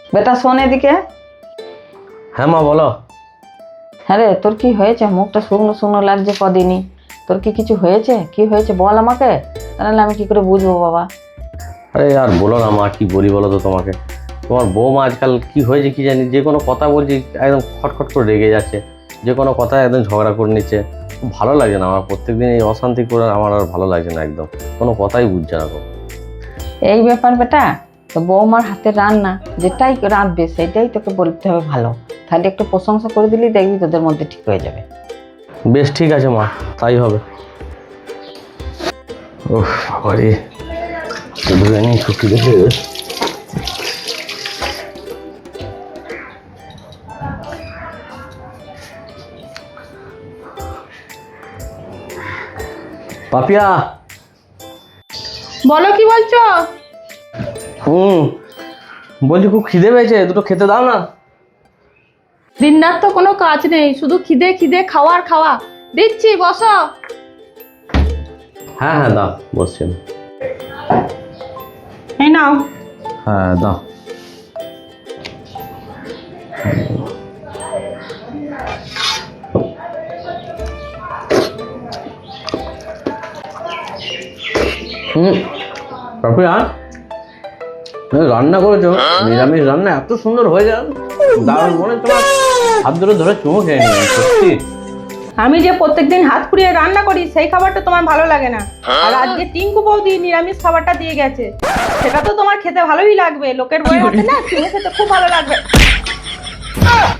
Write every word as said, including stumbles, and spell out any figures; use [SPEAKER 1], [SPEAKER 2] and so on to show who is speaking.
[SPEAKER 1] বেটা শোন এদিকে।
[SPEAKER 2] হ্যাঁ মা বলো।
[SPEAKER 1] হ্যাঁ রে, তোর কি হয়েছে? মুখটা শুকনো শুকনো লাগছে কদিনই। তোর কি কিছু হয়েছে? কি হয়েছে বল আমাকে, তাহলে আমি কি করে বুঝবো বাবা।
[SPEAKER 2] আরে আর বলো না মা, কি বলি বলো তো তোমাকে। তোমার বৌমা আজকাল কি হয়েছে কি জানি, যে কোনো কথা বলছি একদম খটখট করে রেগে যাচ্ছে, যে কোনো কথা একদম ঝগড়া করে নিচ্ছে। ভালো লাগে না আমার, প্রত্যেকদিন এই অশান্তি করে আমার আর ভালো লাগছে না, একদম কোনো কথাই বুঝছে না গো।
[SPEAKER 1] এই ব্যাপার বেটা, তো বৌমার হাতে রান্না যেটাই রাঁধবে সেটাই তোকে বলতে হবে ভালো, তাহলে একটু প্রশংসা করে দিলেই দেখবি তোদের মধ্যে ঠিক হয়ে যাবে।
[SPEAKER 2] বেশ ঠিক আছে মা, তাই হবে। ওহ বাবারে, বিরিয়ানি ছুটি দেখে পাপিয়া।
[SPEAKER 3] বলো কি বলছো?
[SPEAKER 2] হুম বলছি খুব খিদে পেয়েছে, দুটো খেতে দাও না।
[SPEAKER 3] দিন রাত তো কোনো কাজ নেই, শুধু খিদে খিদে খাওয়ার খাওয়া। দিচ্ছি, বসো।
[SPEAKER 2] হ্যাঁ হ্যাঁ দাও, বসছি আমি।
[SPEAKER 3] এই নাও।
[SPEAKER 2] হ্যাঁ দাও। হুম পাপিয়া, তুমি রান্না করেছো, নিরামিষ রান্না এত সুন্দর হয়ে যায়, দারুণ। মনে হয় তোমার হাত ধরে ধরে চুমো খেয়ে নিলাম সত্যি।
[SPEAKER 3] আমি যে প্রত্যেকদিন হাত পুড়িয়ে রান্না করি সেই খাবারটা তোমার ভালো লাগে না, আর আজকে টিঙ্কু বৌদি নিরামিষ খাবারটা দিয়ে গেছে, সেটা তো তোমার খেতে ভালোই লাগবে। লোকের বউয়ের হাতে না চুমো খেতে খুব ভালো লাগবে।